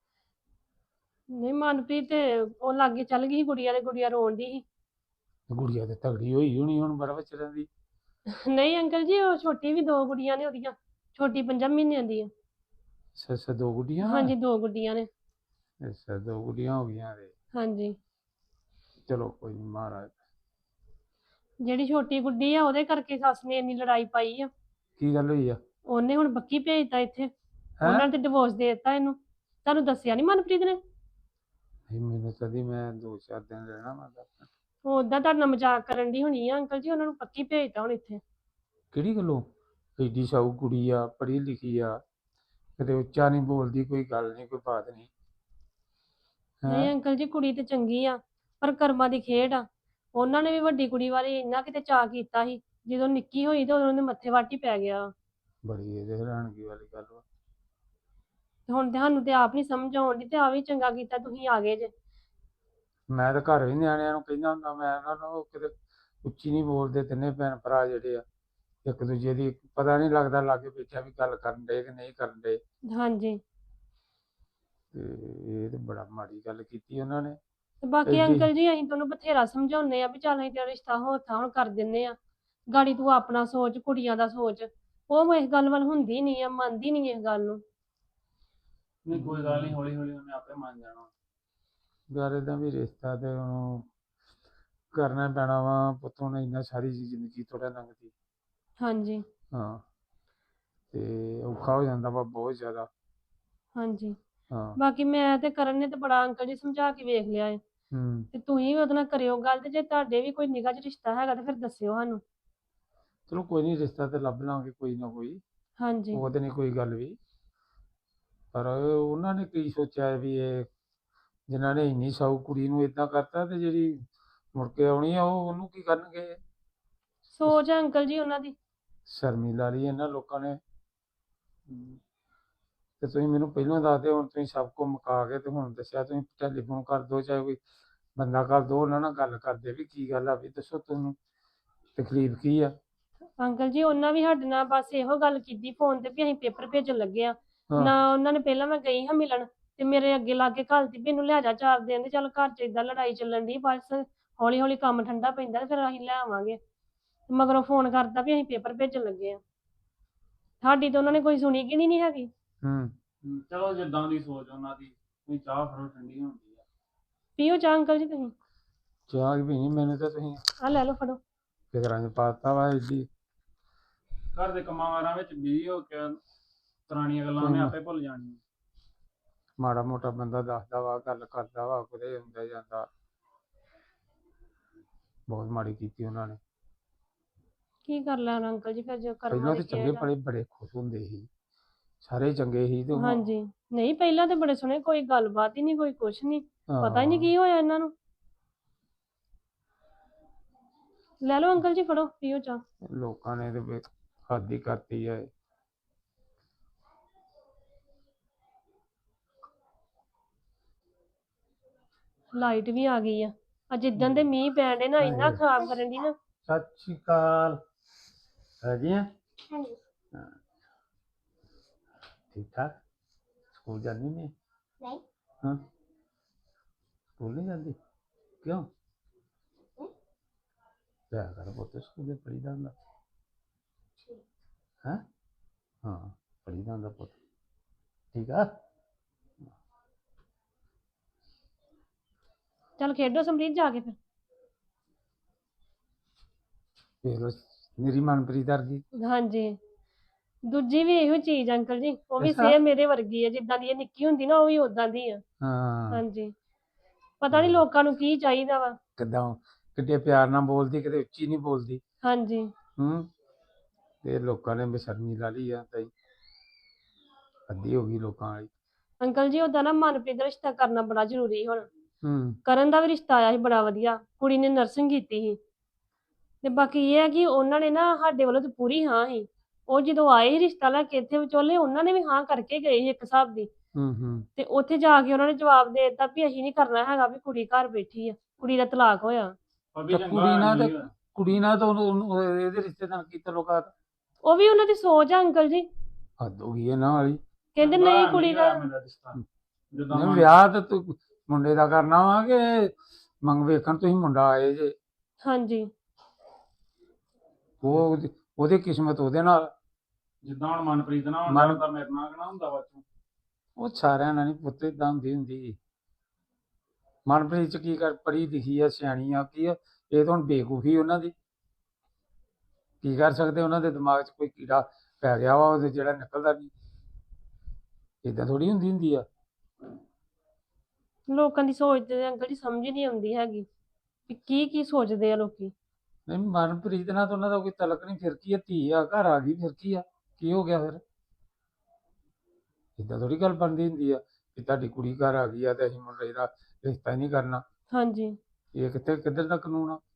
[SPEAKER 3] ਨਹੀਂ ਮਨਪ੍ਰੀਤ ਤੇ ਉਹ ਲਾਗੇ ਚੱਲ ਗਈ ਸੀ ਗੁੜੀਆ ਦੇ, ਗੁੜੀਆ ਰੋਣ ਦੀ ਸੀ।
[SPEAKER 1] ਗੁੜੀਆ ਤੇ ਤਗੜੀ ਹੋਈ ਹੋਣੀ ਹੁਣ ਬੜਾ ਵਿਚਾਰਾਂ ਦੀ।
[SPEAKER 3] ਨਹੀਂ ਅੰਕਲ ਜੀ ਉਹ ਛੋਟੀ ਵੀ ਦੋ ਗੁੜੀਆਂ ਨੇ ਉਹਦੀਆਂ, ਛੋਟੀ ਪੰਜਾਂ ਮਹੀਨਿਆਂ ਦੀ ਆ।
[SPEAKER 1] ਅੱਛਾ ਅੱਛਾ ਦੋ ਗੁੱਡੀਆਂ।
[SPEAKER 3] ਹਾਂਜੀ ਦੋ ਗੁੱਡੀਆਂ ਨੇ।
[SPEAKER 1] ਅੱਛਾ ਦੋ ਗੁੱਡੀਆਂ ਹੋ ਗਈਆਂ ਤੇ
[SPEAKER 3] ਹਾਂਜੀ
[SPEAKER 1] ਚਲੋ ਕੋਈ ਨਹੀਂ ਮਹਾਰਾਜ।
[SPEAKER 3] ਜਿਹੜੀ ਛੋਟੀ ਗੁੱਡੀ ਆ ਉਹਦੇ ਕਰਕੇ ਸੱਸ ਨੇ ਇੰਨੀ ਲੜਾਈ ਪਾਈ ਆ।
[SPEAKER 1] ਕੀ ਗੱਲ ਹੋਈ ਆ?
[SPEAKER 3] ਉਹਨੇ ਹੁਣ ਬੱਕੀ ਭੇਜਤਾ ਇੱਥੇ।
[SPEAKER 1] ਹੈਂ?
[SPEAKER 3] ਉਹਨਾਂ ਨੇ ਤੇ ਡਿਵੋਰਸ ਦੇ ਦਿੱਤਾ ਇਹਨੂੰ। ਤੁਹਾਨੂੰ ਦੱਸਿਆ ਨਹੀਂ ਮਨਪ੍ਰੀਤ ਨੇ?
[SPEAKER 1] ਨਹੀਂ ਮੈਨੂੰ ਕਦੀ, ਮੈਂ ਦੋ ਚਾਰ ਦਿਨ ਰਹਿਣਾ ਵਾ ਦੱਸ।
[SPEAKER 3] ਉਹ ਓਦਾਂ ਤੁਹਾਡੇ ਨਾਲ ਮਜ਼ਾਕ ਕਰਨ ਦੀ ਹੋਣੀ ਆ ਅੰਕਲ ਜੀ, ਉਹਨਾਂ ਨੂੰ ਪੱਕੀ ਭੇਜਤਾ ਹੁਣ ਇੱਥੇ।
[SPEAKER 1] ਕਿਹੜੀ ਗੱਲੋਂ? ਐਡੀ ਸਾਊ ਕੁੜੀ ਆ, ਪੜ੍ਹੀ ਲਿਖੀ ਆ, ਕਦੇ ਉੱਚਾ ਨਹੀਂ ਬੋਲਦੀ, ਕੋਈ ਗੱਲ ਨਹੀਂ ਕੋਈ ਬਾਤ ਨਹੀਂ।
[SPEAKER 3] ਨਹੀਂ
[SPEAKER 1] ਹੈਂ?
[SPEAKER 3] ਅੰਕਲ ਜੀ ਕੁੜੀ ਤੇ ਚੰਗੀ ਆ, ਪਰ ਕਰਮਾਂ ਦੀ ਖੇਡ ਆ। ਉਹਨਾਂ ਨੇ ਵੀ ਵੱਡੀ ਕੁੜੀ ਬਾਰੇ ਇੰਨਾ ਕਿਤੇ ਚਾਅ ਕੀਤਾ ਸੀ, ਜਦੋਂ ਨਿੱਕੀ ਹੋਈ ਤੇ ਉਦੋਂ ਉਹਦੇ ਮੱਥੇ ਵੱਟ ਹੀ ਪੈ ਗਿਆ।
[SPEAKER 1] ਬੜੀ ਇਹਦੇ ਹੈਰਾਨਗੀ ਵਾਲੀ ਗੱਲ ਵਾ।
[SPEAKER 3] ਤੇ ਹੁਣ ਤੇ ਸਾਨੂੰ ਤੇ ਆਪ ਨਹੀਂ ਸਮਝ ਆਉਣ ਦੀ, ਤੇ ਆ ਵੀ ਚੰਗਾ ਕੀਤਾ ਤੁਸੀਂ ਆ ਗਏ ਜੇ।
[SPEAKER 1] ਮੈਂ ਤਾਂ ਘਰ ਵੀ ਨਿਆਣਿਆਂ ਨੂੰ ਕਹਿੰਦਾ ਹੁੰਦਾ, ਮੈਂ ਉਹਨਾਂ ਨੂੰ ਉਹ ਕਿਤੇ ਉੱਚੀ ਨਹੀਂ ਬੋਲਦੇ ਤਿੰਨੇ ਭੈਣ ਭਰਾ ਜਿਹੜੇ ਆ, ਇੱਕ ਦੂਜੇ ਦੀ ਪਤਾ ਨਹੀਂ ਲੱਗਦਾ ਲਾਗੇ ਬੈਠਿਆ ਵੀ ਗੱਲ ਕਰਨ ਦੇ ਕਿ ਨਹੀਂ ਕਰਨ ਦੇ।
[SPEAKER 3] ਹਾਂਜੀ
[SPEAKER 1] ਤੇ ਇਹ ਤੇ ਬੜਾ ਮਾੜੀ ਗੱਲ ਕੀਤੀ ਉਹਨਾਂ ਨੇ।
[SPEAKER 3] ਤੇ ਬਾਕੀ
[SPEAKER 1] ਐਡੀ
[SPEAKER 3] ਅੰਕਲ ਜੀ ਅਸੀਂ ਤੁਹਾਨੂੰ ਬਥੇਰਾ ਸਮਝਾਉਂਦੇ ਆ ਵੀ ਚੱਲ ਅਸੀਂ ਤੇਰਾ ਰਿਸ਼ਤਾ ਹੋਰ ਥਾਂ ਹੁਣ ਕਰ ਦਿੰਦੇ ਆ, ਗਾੜੀ ਤੂੰ ਆਪਣਾ ਸੋਚ, ਕੁੜੀਆਂ ਦਾ ਸੋਚ। ਉਹ ਇਸ ਗੱਲ ਵੱਲ ਹੁੰਦੀ ਨਹੀਂ ਆ, ਮੰਨਦੀ ਨਹੀਂ ਇਸ ਗੱਲ ਨੂੰ।
[SPEAKER 2] ਨਹੀਂ ਕੋਈ ਗੱਲ ਨਹੀਂ, ਹੌਲੀ ਹੌਲੀ ਉਹਨੇ ਆਪੇ ਮੰਨ ਜਾਣਾ।
[SPEAKER 1] ਯਾਰ ਇਹਦਾ ਵੀ ਰਿਸ਼ਤਾ ਤੇ ਹੁਣ ਕਰਨਾ ਪੈਣਾ ਵਾ ਪੁੱਤ, ਹੁਣ ਇੰਨਾ ਸਾਰੀ ਜ਼ਿੰਦਗੀ ਥੋੜਾ ਲੰਘਦੀ।
[SPEAKER 3] ਹਾਂਜੀ
[SPEAKER 1] ਹਾਂ ਤੇ ਔਖਾ ਹੋ ਜਾਂਦਾ ਵਾ ਬਹੁਤ ਜ਼ਿਆਦਾ।
[SPEAKER 3] ਹਾਂਜੀ
[SPEAKER 1] ਹਾਂ
[SPEAKER 3] ਬਾਕੀ ਮੈਂ ਤੇ ਕਰਨ ਨੇ ਤੇ ਬੜਾ ਅੰਕਲ ਜੀ ਸਮਝਾ ਕੇ ਵੇਖ ਲਿਆ ਏ।
[SPEAKER 1] ਹੂੰ
[SPEAKER 3] ਤੇ ਤੁਸੀਂ ਵੀ ਉਹਦੇ ਨਾਲ ਕਰਿਓ ਗੱਲ, ਤੇ ਜੇ ਤੁਹਾਡੇ ਵੀ ਕੋਈ ਨਿਗਾਹ 'ਚ ਰਿਸ਼ਤਾ ਹੈਗਾ ਤੇ ਫਿਰ ਦੱਸਿਓ ਸਾਨੂੰ।
[SPEAKER 1] ਚਲੋ ਕੋਈ ਨਹੀਂ, ਰਿਸ਼ਤਾ ਤੇ ਲੱਭ ਲਾਂਗੇ ਕੋਈ ਨਾ ਕੋਈ।
[SPEAKER 3] ਹਾਂਜੀ
[SPEAKER 1] ਉਹ ਤੇ ਨਹੀਂ ਕੋਈ ਗੱਲ ਵੀ, ਪਰ ਉਹਨਾਂ ਨੇ ਕੀ ਸੋਚਿਆ ਵੀ ਇਹ ਜਿਨ੍ਹਾਂ ਨੇ ਇੰਨੀ ਸਾਊ ਕੁੜੀ ਨੂੰ ਏਦਾਂ ਕਰਤਾ, ਤੇ ਜਿਹੜੀ ਮੁੜ ਕੇ ਆਉਣੀ ਆ ਉਹ ਉਹਨੂੰ ਕੀ ਕਰਨਗੇ?
[SPEAKER 3] ਸੋਚ ਹੈ ਅੰਕਲ ਜੀ ਉਹਨਾਂ ਦੀ।
[SPEAKER 1] ਸ਼ਰਮੀਲਾ ਲਈ ਇਹਨਾਂ ਲੋਕਾਂ ਨੇ। ਤੇ ਤੁਸੀਂ ਮੈਨੂੰ ਪਹਿਲਾਂ ਦੱਸ ਦਿਓ, ਹੁਣ ਤੁਸੀਂ ਸਭ ਕੁਝ ਮੁਕਾ ਕੇ ਤੇ ਹੁਣ ਦੱਸਿਆ, ਤੁਸੀਂ ਟੈਲੀਫੋਨ ਕਰ ਦਿਓ, ਚਾਹੇ ਕੋਈ ਬੰਦਾ ਕਰ ਦਿਓ, ਉਹਨਾਂ ਨਾਲ ਗੱਲ ਕਰਦੇ ਵੀ ਕੀ ਗੱਲ ਆ, ਵੀ ਦੱਸੋ ਤੁਹਾਨੂੰ ਤਕਲੀਫ ਕੀ ਆ?
[SPEAKER 3] ਅੰਕਲ ਜੀ ਉਹਨਾਂ ਵੀ ਸਾਡੇ ਨਾਲ ਬਸ ਇਹੋ ਗੱਲ ਕੀਤੀ ਫੋਨ ਤੇ ਵੀ ਅਸੀਂ ਪੇਪਰ ਭੇਜਣ ਲੱਗੇ ਆ।
[SPEAKER 1] ਹਾਂ
[SPEAKER 3] ਨਾ ਉਹਨਾਂ ਨੇ, ਪਹਿਲਾਂ ਮੈਂ ਗਈ ਹਾਂ ਮਿਲਣ, ਤੇ ਮੇਰੇ ਅੱਗੇ ਲਾ ਕੇ ਘੱਲਤੀ ਵੀ ਇਹਨੂੰ ਲੈ ਜਾ ਚਾਰ ਦਿਨ ਦੇ, ਚੱਲ ਘਰ 'ਚ ਏਦਾਂ ਲੜਾਈ ਚੱਲਣ ਦੀ, ਬਸ ਹੌਲੀ ਹੌਲੀ ਕੰਮ ਠੰਡਾ ਪੈਂਦਾ ਤੇ ਫਿਰ ਅਸੀਂ ਲੈ ਆਵਾਂਗੇ। ਮਗਰੋਂ ਫੋਨ ਕਰਤਾ ਵੀ ਅਸੀਂ ਪੇਪਰ ਭੇਜਣ ਲੱਗੇ ਆ। ਸਾਡੀ ਤਾਂ ਉਹਨਾਂ ਨੇ ਕੋਈ ਸੁਣੀ ਕਿ ਨਹੀਂ ਹੈਗੀ।
[SPEAKER 1] ਹੂੰ
[SPEAKER 2] ਹਮ, ਚਲੋ ਜਿੱਦਾਂ ਦੀ ਸੋਚ ਉਹਨਾਂ ਦੀ, ਤੁਸੀਂ ਚਾਹ ਫੜੋ ਠੰਡੀ ਹੁੰਦੀ ਆ।
[SPEAKER 3] ਪੀਓ ਚਾਹ ਅੰਕਲ ਜੀ ਤੁਸੀਂ।
[SPEAKER 1] ਚਾਹ ਵੀ ਨਹੀਂ, ਮੈਨੂੰ ਤਾਂ ਤੁਸੀਂ
[SPEAKER 3] ਆਹ ਲੈ ਲਓ ਫੜੋ।
[SPEAKER 1] ਫਿਕਰਾਂ 'ਚ ਪਾਤਾ ਵਾ ਏਡੀ।
[SPEAKER 2] ਘਰ ਦੇ ਕੰਮਾਂ ਕਾਰਾਂ ਵਿੱਚ ਬਿਜ਼ੀ ਹੋ ਕੇ ਪੁਰਾਣੀਆਂ ਗੱਲਾਂ ਉਹਨੇ ਆਪੇ ਭੁੱਲ ਜਾਣੀਆਂ।
[SPEAKER 1] ਮਾੜਾ ਮੋਟਾ ਬੰਦਾ ਦੱਸਦਾ ਵਾ, ਗੱਲ ਕਰਦਾ ਵਾ, ਕਿਤੇ ਹੁੰਦਾ ਜਾਂਦਾ। ਬਹੁਤ ਮਾੜੀ ਕੀਤੀ ਉਹਨਾਂ ਨੇ।
[SPEAKER 3] ਕੀ ਕਰ ਲੈਣਾ ਅੰਕਲ ਜੀ, ਫਿਰ ਜੋ ਕਰਮਾਂ
[SPEAKER 1] ਪਹਿਲਾਂ
[SPEAKER 3] ਦੀ
[SPEAKER 1] ਤੇ ਚੰਗੇ
[SPEAKER 3] ਖੇਡ ਆ।
[SPEAKER 1] ਭਲੇ ਬੜੇ ਖੁਸ਼ ਹੁੰਦੇ ਸੀ, ਸਾਰੇ ਚੰਗੇ ਸੀ ਤੇ ਹੁਣ
[SPEAKER 3] ਹਾਂਜੀ ਨਹੀਂ ਪਹਿਲਾਂ ਤੇ ਬੜੇ ਸੋਹਣੇ, ਕੋਈ ਗੱਲਬਾਤ ਹੀ ਨਹੀਂ, ਕੋਈ ਕੁਛ ਨਹੀਂ, ਪਤਾ ਹੀ ਨਹੀਂ
[SPEAKER 1] ਹਾਂ
[SPEAKER 3] ਕੀ ਹੋਇਆ ਇਹਨਾਂ ਨੂੰ। ਲੈ ਲਓ ਅੰਕਲ ਜੀ ਫੜੋ ਪੀਓ ਚਾਹ।
[SPEAKER 1] ਲੋਕਾਂ ਨੇ ਤੇ ਫਿਰ ਹੱਦ ਹੀ ਕਰਤੀ ਹੈ।
[SPEAKER 3] ਲਾਈਟ ਵੀ ਆ ਗਈ ਆ। ਅੱਜ ਇਦਾਂ ਦੇ ਮੀਂਹ ਪੈਣ ਦੇ ਨਾ, ਇੰਨਾ ਖਰਾਬ ਕਰਨ ਦੀ ਨਾ।
[SPEAKER 1] ਸਤਿ ਸ਼੍ਰੀ ਅਕਾਲ। ਰਾਜੀ ਆ?
[SPEAKER 3] ਹਾਂਜੀ
[SPEAKER 1] ਠੀਕ ਠਾਕ? ਸਕੂਲ ਜਾਂਦੀ ਨਹੀਂ?
[SPEAKER 3] ਨਹੀਂ
[SPEAKER 1] ਹਾਂ ਸਕੂਲ ਨਹੀਂ ਜਾਂਦੀ ਕਿਉਂ? ਜਾਇਆ ਕਰ ਪੁੱਤ, ਸਕੂਲੇ ਪੜ੍ਹੀਦਾ ਹੁੰਦਾ। ਹੈਂ? ਹਾਂ ਪੜ੍ਹੀਦਾ ਹੁੰਦਾ ਪੁੱਤ, ਠੀਕ ਆ?
[SPEAKER 3] ਚੱਲ ਖੇਡੋ ਸਮਰੀਤ ਜਾ ਕੇ ਫਿਰ।
[SPEAKER 1] ਵੇਖ ਲਓ ਮੇਰੀ ਮਨਪ੍ਰੀਤ ਵਰਗੀ।
[SPEAKER 3] ਹਾਂਜੀ ਦੂਜੀ ਵੀ ਇਹੋ ਚੀਜ਼ ਅੰਕਲ ਜੀ, ਉਹ ਵੀ
[SPEAKER 1] ਅੱਛਾ।
[SPEAKER 3] ਸੇਮ ਮੇਰੇ ਵਰਗੀ ਆ, ਜਿੱਦਾਂ ਦੀ ਇਹ ਨਿੱਕੀ ਹੁੰਦੀ ਨਾ ਉਹ ਵੀ ਉਦਾਂ ਦੀ ਆ।
[SPEAKER 1] ਹਾਂ
[SPEAKER 3] ਹਾਂਜੀ ਪਤਾ ਨਹੀਂ ਲੋਕਾਂ ਨੂੰ ਕੀ ਚਾਹੀਦਾ ਵਾ।
[SPEAKER 1] ਕਿੱਦਾਂ ਕਿੱਡੇ ਪਿਆਰ ਨਾਲ ਬੋਲਦੀ, ਕਿਤੇ ਉੱਚੀ ਨਹੀਂ ਬੋਲਦੀ।
[SPEAKER 3] ਹਾਂਜੀ
[SPEAKER 1] ਹੂੰ ਤੇ ਲੋਕਾਂ ਨੇ ਬੇਸ਼ਰਮੀ ਲਾ ਲਈ ਆ ਤਾਈ। ਹੱਦੀ ਹੋ ਗਈ ਲੋਕਾਂ ਵਾਲੀ।
[SPEAKER 3] ਅੰਕਲ ਜੀ ਉਹਦਾ ਨਾ ਮਨਪ੍ਰੀਤ ਦਾ ਰਿਸ਼ਤਾ ਕਰਨਾ ਬੜਾ ਜ਼ਰੂਰੀ ਹੁਣ।
[SPEAKER 1] ਹੂੰ
[SPEAKER 3] ਕਰਨ ਦਾ ਵੀ ਰਿਸ਼ਤਾ ਆਇਆ ਸੀ ਬੜਾ ਵਧੀਆ, ਕੁੜੀ ਨੇ ਨਰਸਿੰਗ ਕੀਤੀ ਸੀ। ਤੇ ਬਾਕੀ ਇਹ ਹੈ ਕਿ ਉਹਨਾਂ ਨੇ ਨਾ ਸਾਡੇ ਵੱਲੋਂ ਤੇ ਪੂਰੀ ਹਾਂ ਸੀ। ਉਹ ਜਦੋਂ ਆਏ ਸੀ ਰਿਸ਼ਤਾ ਲੈ ਕੇ ਇੱਥੇ ਵਿਚੋਲੇ, ਉਹਨਾਂ ਨੇ ਵੀ ਹਾਂ ਕਰਕੇ ਗਏ ਸੀ ਇੱਕ ਹਿਸਾਬ ਦੀ।
[SPEAKER 1] ਹੂੰ ਹੂੰ
[SPEAKER 3] ਤੇ ਉੱਥੇ ਜਾ ਕੇ ਉਹਨਾਂ ਨੇ ਜਵਾਬ ਦੇ ਦਿੱਤਾ ਵੀ ਅਸੀਂ ਨਹੀਂ ਕਰਨਾ ਹੈਗਾ, ਵੀ ਕੁੜੀ ਘਰ ਬੈਠੀ ਆ, ਕੁੜੀ ਦਾ ਤਲਾਕ ਹੋਇਆ।
[SPEAKER 2] ਭਾਬੀ
[SPEAKER 1] ਤੇ
[SPEAKER 2] ਚੰਗਾ
[SPEAKER 1] ਕੁੜੀ ਨਾਲ
[SPEAKER 2] ਨਹੀਂ
[SPEAKER 1] ਤੇ
[SPEAKER 2] ਹੋਇਆ।
[SPEAKER 1] ਕੁੜੀ ਨਾਲ ਤਾਂ ਉਹਨੂੰ- ਉਹਨੂੰ ਇਹਦੇ ਰਿਸ਼ਤੇ ਨਾਲ ਕੀ ਤਾਲੁਕਾਤ?
[SPEAKER 3] ਉਹ ਵੀ ਉਹਨਾਂ ਦੀ ਸੋਚ ਆ ਅੰਕਲ ਜੀ,
[SPEAKER 1] ਹੱਦ ਹੋ ਗਈ ਇਹਨਾਂ ਵਾਲੀ।
[SPEAKER 3] ਕਹਿੰਦੇ
[SPEAKER 2] ਚੰਗਾ
[SPEAKER 3] ਨਹੀਂ ਕੁੜੀ ਦਾ।
[SPEAKER 2] ਹੋਇਆ ਮੇਰਾ ਰਿਸ਼ਤਾ। ਜਿੱਦਾਂ
[SPEAKER 1] ਨਹੀਂ
[SPEAKER 2] ਮਨ-
[SPEAKER 1] ਵਿਆਹ ਤਾਂ ਤੂੰ ਮੁੰਡੇ ਦਾ ਕਰਨਾ ਵਾ ਕਿ ਮੰਗ ਵੇਖਣ ਤੁਸੀਂ ਮੁੰਡਾ ਆਏ ਜੇ।
[SPEAKER 3] ਹਾਂਜੀ
[SPEAKER 1] ਉਹ ਉਹਦੀ- ਉਹਦੀ ਕਿਸਮਤ ਉਹਦੇ ਨਾਲ।
[SPEAKER 2] ਜਿੱਦਾਂ ਹੁਣ ਮਨਪ੍ਰੀਤ ਨਾਲ
[SPEAKER 1] ਮਨ-
[SPEAKER 2] ਹੁੰਦਾ ਮੇਰੇ ਨਾਲ ਕਿਹੜਾ ਹੁੰਦਾ ਵਾ ਤੂੰ।
[SPEAKER 1] ਉਹ ਸਾਰਿਆਂ ਨਾਲ ਨਹੀਂ ਪੁੱਤ ਏਦਾਂ ਹੁੰਦੀ ਹੁੰਦੀ। ਮਨਪ੍ਰੀਤ ਚ ਕੀ ਕਰ, ਪੜ੍ਹੀ ਲਿਖੀ ਆ, ਸਿਆਣੀ ਆ, ਕੀ ਆ, ਇਹ ਤਾਂ ਹੁਣ ਬੇਵਕੂਫੀ ਉਹਨਾਂ ਦੀ। ਕੀ ਕਰ ਸਕਦੇ, ਉਹਨਾਂ ਦੇ ਦਿਮਾਗ 'ਚ ਕੋਈ ਕੀੜਾ ਪੈ ਗਿਆ ਵਾ ਉਹਦੇ, ਜਿਹੜਾ ਨਿਕਲਦਾ ਨਹੀਂ। ਏਦਾਂ ਥੋੜੀ ਹੁੰਦੀ ਹੁੰਦੀ ਆ।
[SPEAKER 3] ਲੋਕਾਂ ਦੀ ਸੋਚ ਤੇ ਅੰਕਲ ਜੀ ਸਮਝ ਨਹੀਂ ਆਉਂਦੀ ਹੈਗੀ ਵੀ ਕੀ ਕੀ ਸੋਚਦੇ ਆ ਲੋਕੀ।
[SPEAKER 1] ਨਹੀਂ ਮਨਪ੍ਰੀਤ ਨਾਲ ਤਾਂ ਉਹਨਾਂ ਦਾ ਕੋਈ ਤਲਕ ਨਹੀਂ। ਫਿਰ ਕੀ ਆ, ਧੀ ਆ, ਘਰ ਆ ਗਈ, ਫਿਰ ਕੀ ਆ, ਕੀ ਹੋ ਗਿਆ ਫਿਰ? ਏਦਾਂ ਥੋੜੀ ਗੱਲ ਬਣਦੀ ਹੁੰਦੀ ਆ ਕਿ ਤੁਹਾਡੀ ਕੁੜੀ ਘਰ ਆ ਗਈ ਆ ਤੇ ਅਸੀਂ ਮੁੰਡੇ ਦਾ ਰਿਸ਼ਤਾ ਹੀ ਨਹੀਂ ਕਰਨਾ।
[SPEAKER 3] ਹਾਂਜੀ
[SPEAKER 1] ਇਹ ਕਿੱਥੇ ਕਿੱਧਰ ਦਾ ਕਾਨੂੰਨ ਆ?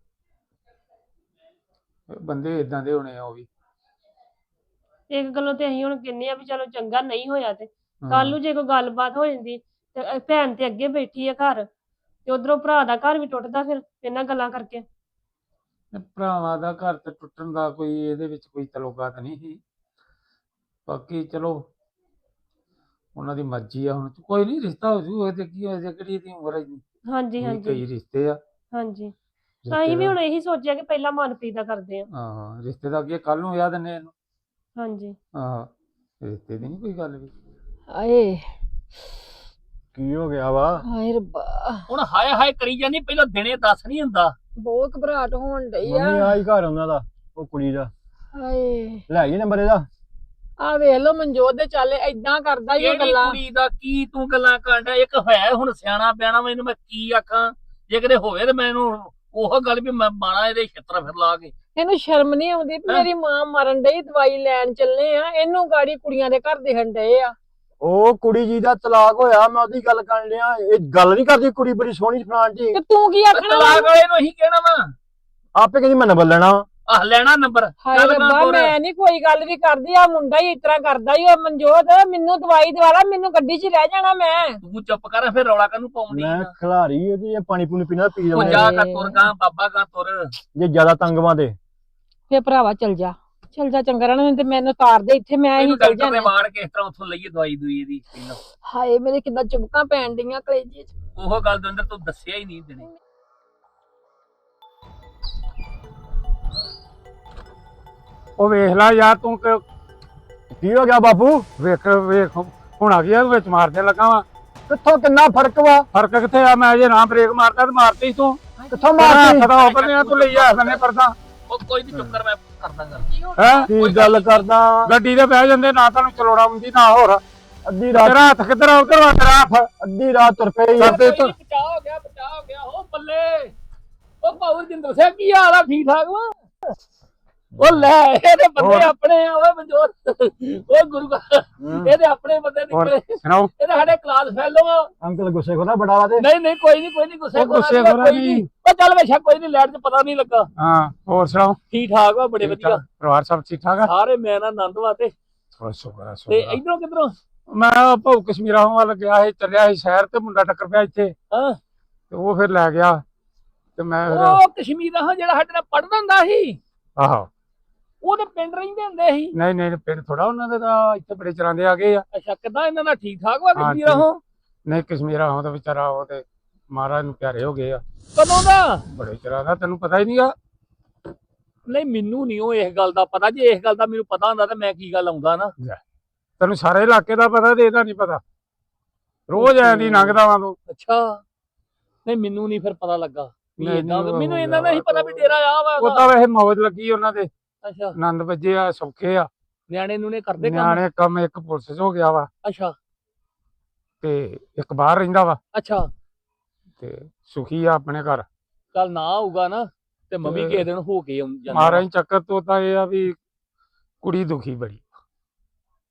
[SPEAKER 1] ਇਹ ਬੰਦੇ ਏਦਾਂ ਦੇ ਹੋਣੇ ਆ ਉਹ ਵੀ।
[SPEAKER 3] ਇੱਕ ਗੱਲੋਂ ਤੇ ਅਸੀਂ ਹੁਣ ਕਹਿੰਦੇ ਆ ਵੀ ਚਲੋ ਚੰਗਾ ਨਹੀਂ ਹੋਇਆ, ਤੇ
[SPEAKER 1] ਹਾਂ।
[SPEAKER 3] ਕੱਲ ਨੂੰ ਜੇ ਕੋਈ ਗੱਲਬਾਤ ਹੋ ਜਾਂਦੀ ਤੇ ਅਹ ਭੈਣ ਤੇ ਅੱਗੇ ਬੈਠੀ ਆ ਘਰ, ਤੇ ਉਧਰੋਂ ਭਰਾ ਦਾ ਘਰ ਵੀ ਟੁੱਟਦਾ ਫਿਰ ਇਹਨਾਂ ਗੱਲਾਂ ਕਰਕੇ।
[SPEAKER 1] ਤੇ ਭਰਾਵਾਂ ਦਾ ਘਰ ਤੇ ਟੁੱਟਣ ਦਾ ਕੋਈ ਇਹਦੇ ਵਿੱਚ ਕੋਈ ਤਲੋਕਾਤ ਨਹੀਂ ਸੀ। ਬਾਕੀ ਚਲੋ ਉਹਨਾਂ ਦੀ ਮਰਜ਼ੀ ਆ। ਹੁਣ ਕੋਈ ਨਹੀਂ, ਰਿਸ਼ਤਾ ਹੋ ਜੂ, ਇਹਦੇ ਕੀ ਹੋਇਆ, ਕਿਹੜੀ ਇਹਦੀ ਉਮਰ ਹੈ ਜੀ।
[SPEAKER 3] ਹਾਂਜੀ ਹਾਂਜੀ
[SPEAKER 1] ਕਈ ਰਿਸ਼ਤੇ ਆ।
[SPEAKER 3] ਹਾਂਜੀ
[SPEAKER 1] ਰਿਸ਼ਤੇ
[SPEAKER 3] ਅਸੀਂ ਵੀ
[SPEAKER 1] ਦਾ-
[SPEAKER 3] ਹੁਣ ਇਹੀ ਸੋਚਿਆ ਕਿ ਪਹਿਲਾਂ ਮਨਪ੍ਰੀਤ ਦਾ ਕਰਦੇ ਆ।
[SPEAKER 1] ਹਾਂ ਰਿਸ਼ਤੇ ਦਾ ਅੱਗੇ ਕੱਲ ਨੂੰ ਵਿਆਹ ਦਿੰਦੇ ਇਹਨੂੰ।
[SPEAKER 3] ਹਾਂਜੀ
[SPEAKER 1] ਹਾਂ ਰਿਸ਼ਤੇ ਦੀ ਨਹੀਂ ਕੋਈ ਗੱਲ ਵੀ।
[SPEAKER 5] ਆਏ
[SPEAKER 6] ਕੀ ਹੋ ਗਿਆ ਵਾ?
[SPEAKER 5] ਹਾਏ ਰੱਬਾ,
[SPEAKER 6] ਹੁਣ ਹਾਏ ਹਾਏ ਕਰੀ ਜਾਂਦੀ, ਪਹਿਲਾਂ ਦਿਨੇ ਦੱਸ ਨਹੀਂ ਹੁੰਦਾ।
[SPEAKER 5] ਬਹੁਤ ਘਬਰਾਹਟ ਹੋਣ ਡਈ
[SPEAKER 6] ਮੰਮੀ
[SPEAKER 5] ਆ।
[SPEAKER 6] ਆਈ ਘਰ ਉਹਨਾਂ ਦਾ, ਉਹ ਕੁੜੀ ਦਾ
[SPEAKER 5] ਹਾਏ
[SPEAKER 6] ਲੈ ਆਈ ਨੰਬਰ ਇਹਦਾ।
[SPEAKER 5] ਆ ਵੇਖ ਲੋ ਮਨਜੋਤ ਦੇ ਚੱਲ ਏਦਾਂ ਕਰਦਾ ਹੀ ਉਹ
[SPEAKER 6] ਕਿਹੜੀ
[SPEAKER 5] ਗੱਲਾਂ।
[SPEAKER 6] ਕੁੜੀ ਦਾ ਕੀ ਤੂੰ ਗੱਲਾਂ ਕਰਦਾ? ਇੱਕ ਹੈ ਹੁਣ ਸਿਆਣਾ ਪਿਆਣਾ, ਮੈਨੂੰ ਮੈਂ ਕੀ ਆਖਾਂ? ਜੇ ਕਿਤੇ ਹੋਵੇ ਤੇ ਮੈਨੂੰ ਉਹ ਗੱਲ ਵੀ ਮੈਂ ਬਾਣਾ ਇਹਦੇ ਛਿੱਤਰ ਫਿਰ ਲਾ ਕੇ।
[SPEAKER 5] ਇਹਨੂੰ ਸ਼ਰਮ ਨਹੀਂ ਆਉਂਦੀ ਵੀ
[SPEAKER 6] ਹੈਂ?
[SPEAKER 5] ਮੇਰੀ ਮਾਂ ਮਰਨ ਡਈ, ਦਵਾਈ ਲੈਣ ਚੱਲੇ ਆ, ਇਹਨੂੰ ਗਾੜੀ ਕੁੜੀਆਂ ਦੇ ਘਰ ਦੇਣ ਡਏ ਆ।
[SPEAKER 6] ਉਹ ਕੁੜੀ ਜੀ ਦਾ ਤਲਾਕ ਹੋਇਆ, ਮੈਂ ਉਹਦੀ ਗੱਲ ਕਰਨ ਡਿਆ। ਇਹ ਗੱਲ ਨਹੀਂ ਕਰਦੀ ਕੁੜੀ ਬੜੀ ਸੋਹਣੀ ਫਲਾਣ ਜੀ।
[SPEAKER 5] ਤੇ ਤੂੰ ਕੀ ਆਖਣਾ ਵਾ?
[SPEAKER 6] ਤਲਾਕ ਵਾਲੇ ਨੂੰ ਅਸੀਂ ਕਹਿਣਾ ਵਾ,
[SPEAKER 5] ਆਪੇ ਕਹਿੰਦੀ ਮੈਂ ਨੰਬਰ ਲੈਣਾ ਵਾ।
[SPEAKER 6] ਆਹ ਲੈਣਾ ਨੰਬਰ।
[SPEAKER 5] ਹਾਏ
[SPEAKER 6] ਚੱਲ
[SPEAKER 5] ਰੱਬਾ,
[SPEAKER 6] ਗਾਂ ਤੁਰ।
[SPEAKER 5] ਮੈਂ ਨਹੀਂ ਕੋਈ ਗੱਲ ਵੀ ਕਰਦੀ, ਆ ਮੁੰਡਾ ਹੀ ਇਸ ਤਰ੍ਹਾਂ ਕਰਦਾ ਹੀ। ਉਹ ਮਨਜੋਤ ਮੈਨੂੰ ਦਵਾਈ ਦਵਾ ਲਾ, ਮੈਨੂੰ ਗੱਡੀ 'ਚ ਰਹਿ ਜਾਣਾ ਮੈਂ।
[SPEAKER 6] ਤੂੰ ਚੁੱਪ ਕਰ, ਫਿਰ ਰੌਲਾ ਕਾਹਨੂੰ ਪਾਉਂਦੀ ਮੈਂ
[SPEAKER 5] ਆ?
[SPEAKER 6] ਖਿਲਾਰੀ ਉਹਦੀ, ਇਹ ਪਾਣੀ ਪੂਣੀ ਪੀਣਾ ਪੀ
[SPEAKER 5] ਉਹ
[SPEAKER 6] ਲਵਾਂ।
[SPEAKER 5] ਜਾ-
[SPEAKER 6] ਜਾ ਤੁਰ ਗਾਂ ਬਾਬਾ ਗਾਂ ਤੁਰ। ਜੇ ਜ਼ਿਆਦਾ ਤੰਗਵਾਂ ਦੇ
[SPEAKER 5] ਫੇ ਭਰਾਵਾ ਚੱਲ ਜਾ, ਚੱਲ ਜਾ, ਚੰਗਾ ਰਹਿਣਾ ਤੇ ਮੈਨੂੰ ਤਾਰ ਦੇ ਇੱਥੇ, ਮੈਂ ਹੀ
[SPEAKER 6] ਇਹਨੂੰ
[SPEAKER 5] ਚੱਲ
[SPEAKER 6] ਡਾਕਟਰ ਨੇ
[SPEAKER 5] ਜਾਣਾ।
[SPEAKER 6] ਵਾੜ ਕੇ ਇਸ ਤਰ੍ਹਾਂ ਉੱਥੋਂ ਲਈਏ ਦਵਾਈ ਦੂਈ ਇਹਦੀ ਪਹਿਲਾਂ।
[SPEAKER 5] ਹਾਏ ਮੇਰੇ ਕਿੱਦਾਂ ਚੁਬਕਾਂ ਪੈਣ ਡਈਆਂ ਕਲੇਜੇ 'ਚ।
[SPEAKER 6] ਉਹ ਗੱਲ ਦੇ ਅੰਦਰ ਤੂੰ ਦੱਸਿਆ ਹੀ ਨਹੀਂ ਦਿਨੇ।
[SPEAKER 1] ਉਹ ਵੇਖ ਲੈ ਯਾਰ ਤੂੰ ਕਿ
[SPEAKER 6] ਕੀ ਹੋ ਗਿਆ ਬਾਪੂ?
[SPEAKER 1] ਵੇਖ ਵੇਖ ਹੁਣ ਆ ਗਿਆ ਵਿੱਚ ਮਾਰਦੇ ਲੱਗਾ ਵਾ।
[SPEAKER 6] ਕਿੱਥੋਂ ਕਿੰਨਾ ਫਰਕ ਵਾ?
[SPEAKER 1] ਫਰਕ ਕਿੱਥੇ ਆ? ਮੈਂ ਜੇ ਨਾ ਬ੍ਰੇਕ ਮਾਰਦਾ ਤੇ ਮਾਰਤੀ ਤੂੰ।
[SPEAKER 6] ਕਿੱਥੋਂ
[SPEAKER 1] ਤੇਰਾ
[SPEAKER 6] ਮਾਰਤੀ?
[SPEAKER 1] ਹੱਥ ਦਾ ਉੱਪਰ ਨਹੀਂ, ਤੂੰ ਲਈ ਆ ਸਨੇ ਪਰਦਾ
[SPEAKER 6] ਉਹ ਕੋਈ ਨਹੀਂ, ਚੁੱਪ ਕਰ, ਮੈਂ ਕਰਦਾ ਗੱਲ।
[SPEAKER 1] ਹੈ।
[SPEAKER 6] ਕੀ ਗੱਲ ਕਰਦਾ?
[SPEAKER 1] ਗੱਡੀ ਤੇ ਬਹਿ ਜਾਂਦੇ, ਨਾ ਤੁਹਾਨੂੰ ਚਲਾਉਣਾ ਹੁੰਦੀ ਨਾ ਹੋਰ।
[SPEAKER 6] ਅੱਧੀ ਰਾਤ,
[SPEAKER 1] ਤੇਰਾ ਹੱਥ ਕਿੱਧਰ ਆ? ਉਧਰ ਵਾ ਤੇਰਾ ਹੱਥ।
[SPEAKER 6] ਅੱਧੀ ਰਾਤ ਤੁਰ ਪਈ।
[SPEAKER 1] ਕਰਦੇ ਤੂੰ
[SPEAKER 6] ਬਚਾ ਹੋ ਗਿਆ, ਬਚਾ ਹੋ ਗਿਆ। ਉਹ ਬੱਲੇ, ਉਹ ਪਾਵਰ ਜਿੰਦਰ ਸਿੰਘ ਕੀ ਹਾਲ ਆ? ਠੀਕ ਠਾਕ ਵਾ? ਉਹ ਲੈ, ਇਹਦੇ ਬੰਦੇ
[SPEAKER 1] ਹੋਰ?
[SPEAKER 6] ਆਪਣੇ ਆ ਓਏ ਮਨਜੋਤ। ਉਹ ਗੁਰੂ ਘਰ ਇਹਦੇ ਆਪਣੇ ਬੰਦੇ
[SPEAKER 1] ਹੋਰ
[SPEAKER 6] ਨਿਕਲੇ।
[SPEAKER 1] ਸੁਣਾਓ।
[SPEAKER 6] ਇਹਦੇ ਸਾਡੇ ਕਲਾਸ ਫੈਲੋ ਆ।
[SPEAKER 2] ਅੰਕਲ ਗੁੱਸੇ ਖੋਦਾ ਬੜਾ ਵਾ ਤੇ
[SPEAKER 6] ਨਹੀਂ ਨਹੀਂ ਕੋਈ ਨਹੀਂ, ਕੋਈ ਨਹੀਂ ਗੁੱਸੇ
[SPEAKER 1] ਉਹ ਗੁੱਸੇ
[SPEAKER 6] ਖੋਰਾ
[SPEAKER 1] ਖੋਰਾ
[SPEAKER 6] ਕੋਈ
[SPEAKER 1] ਨਹੀਂ।
[SPEAKER 6] ਨਹੀਂ। ਉਹ ਚੱਲ ਵੇਖਿਆ ਕੋਈ ਨਹੀਂ, ਲੈਟ 'ਚ ਪਤਾ ਨਹੀਂ ਲੱਗਾ।
[SPEAKER 1] ਹਾਂ ਹੋਰ ਸੁਣਾਓ।
[SPEAKER 6] ਠੀਕ ਠਾਕ ਵਾ, ਬੜੇ ਵਧੀਆ।
[SPEAKER 1] ਪਰਿਵਾਰ ਸਭ ਠੀਕ ਠਾਕ ਆ?
[SPEAKER 6] ਸਾਰੇ ਮੈਂ ਨਾ ਆਨੰਦ ਵਾ ਤੇ
[SPEAKER 1] ਬੜਾ ਸ਼ੁਕਰ ਆ,
[SPEAKER 6] ਤੇ
[SPEAKER 1] ਸ਼ੁਕਰ ਆ।
[SPEAKER 6] ਇਧਰੋਂ ਕਿਧਰੋਂ?
[SPEAKER 1] ਮੈਂ ਭਾਉ ਕਸ਼ਮੀਰਾ ਵੱਲ ਗਿਆ ਸੀ, ਚੱਲਿਆ ਸੀ ਸ਼ਹਿਰ ਤੇ ਮੁੰਡਾ ਟੱਕਰ ਪਿਆ ਇੱਥੇ
[SPEAKER 6] ਹਾਂ,
[SPEAKER 1] ਤੇ ਉਹ ਫਿਰ ਲੈ ਗਿਆ ਤੇ ਮੈਂ ਫਿਰ
[SPEAKER 6] ਉਹ ਕਸ਼ਮੀਰ ਦਾ ਜਿਹੜਾ ਸਾਡੇ ਨਾਲ ਪੜਦਾ ਹੁੰਦਾ ਸੀ,
[SPEAKER 1] ਆਹੋ
[SPEAKER 6] ਉਹਦੇ ਪਿੰਡ ਰਹਿੰਦੇ ਹੁੰਦੇ ਸੀ।
[SPEAKER 1] ਨਹੀਂ ਨਹੀਂ ਪਿੰਡ ਥੋੜਾ ਉਹਨਾਂ ਦੇ ਤਾਂ ਇੱਥੇ ਬੜੇ ਚਰਾਂਦੇ ਆ ਗਏ ਆ।
[SPEAKER 6] ਅੱਛਾ, ਕਿੱਦਾਂ ਇਹਨਾਂ ਦਾ ਠੀਕ ਠਾਕ ਵਾ
[SPEAKER 1] ਹਾਂ,
[SPEAKER 6] ਕਸ਼ਮੀਰ ਉਹ?
[SPEAKER 1] ਨਹੀਂ ਕਸ਼ਮੀਰਾ ਹੋ ਤਾਂ ਵਿਚਾਰਾ ਉਹ ਤੇ ਮਹਾਰਾਜ ਨੂੰ ਪਿਆਰੇ ਹੋ ਗਏ ਆ
[SPEAKER 6] ਕਦੋਂ ਦਾ?
[SPEAKER 1] ਬੜੇ ਚਿਰਾਂ ਦਾ, ਤੈਨੂੰ ਪਤਾ ਹੀ ਨਹੀਂਗਾ।
[SPEAKER 6] ਨਹੀਂ ਮੈਨੂੰ ਨਹੀਂ ਉਹ ਇਸ ਗੱਲ ਦਾ ਪਤਾ। ਜੇ ਇਸ ਗੱਲ ਦਾ ਮੈਨੂੰ ਪਤਾ ਹੁੰਦਾ ਤਾਂ ਮੈਂ ਕੀ ਗੱਲ ਆਉਂਦਾ ਨਾ।
[SPEAKER 1] ਤੈਨੂੰ ਸਾਰੇ ਇਲਾਕੇ ਦਾ ਪਤਾ ਤੇ ਇਹਦਾ ਨਹੀਂ ਪਤਾ। ਰੋਜ਼ ਐਂ ਦੀ ਲੰਘਦਾ ਵਾਂ ਤੂੰ।
[SPEAKER 6] ਅੱਛਾ, ਨਹੀਂ ਮੈਨੂੰ ਨਹੀਂ ਫਿਰ ਪਤਾ ਲੱਗਾ ਵੀ
[SPEAKER 1] ਨਹੀਂ,
[SPEAKER 6] ਏਦਾਂ।
[SPEAKER 1] ਨਹੀਂ,
[SPEAKER 6] ਮੈਨੂੰ
[SPEAKER 1] ਉਹ
[SPEAKER 6] ਇਹਨਾਂ ਦਾ ਹੀ ਪਤਾ ਵੀ ਡੇਰਾ ਆ ਵਾ
[SPEAKER 1] ਉਹ
[SPEAKER 6] ਉਹਦਾ।
[SPEAKER 1] ਤਾਂ ਵੈਸੇ ਮੌਜ ਲੱਗੀ ਉਹਨਾਂ ਦੇ,
[SPEAKER 6] ਅੱਛਾ,
[SPEAKER 1] ਆਨੰਦ ਵੱਜੇ ਆ, ਸੌਖੇ ਆ।
[SPEAKER 6] ਨਿਆਣੇ ਨੂੰ ਨੇ ਕਰਦੇ ਕੰਮ?
[SPEAKER 1] ਨਿਆਣੇ ਕੰਮ ਇੱਕ ਪੁਲਿਸ 'ਚ ਹੋ ਗਿਆ ਵਾ
[SPEAKER 6] ਅੱਛਾ
[SPEAKER 1] ਤੇ ਇੱਕ ਬਾਹਰ ਰਹਿੰਦਾ ਵਾ
[SPEAKER 6] ਅੱਛਾ,
[SPEAKER 1] ਤੇ ਸੁਖੀ ਆ ਆਪਣੇ ਘਰ।
[SPEAKER 6] ਕੱਲ ਨਾ ਆਊਗਾ ਨਾ ਤੇ ਮੰਮੀ
[SPEAKER 1] ਤੇ
[SPEAKER 6] ਕਿਸੇ ਦਿਨ ਹੋ ਕੇ ਆਉਂ- ਜਾਂਦਾ
[SPEAKER 1] ਮਹਾਰਾਜ
[SPEAKER 6] ਵਾ।
[SPEAKER 1] ਚੱਕਰ ਤੋਂ ਤਾਂ ਇਹ ਆ ਵੀ ਕੁੜੀ ਦੁਖੀ ਬੜੀ।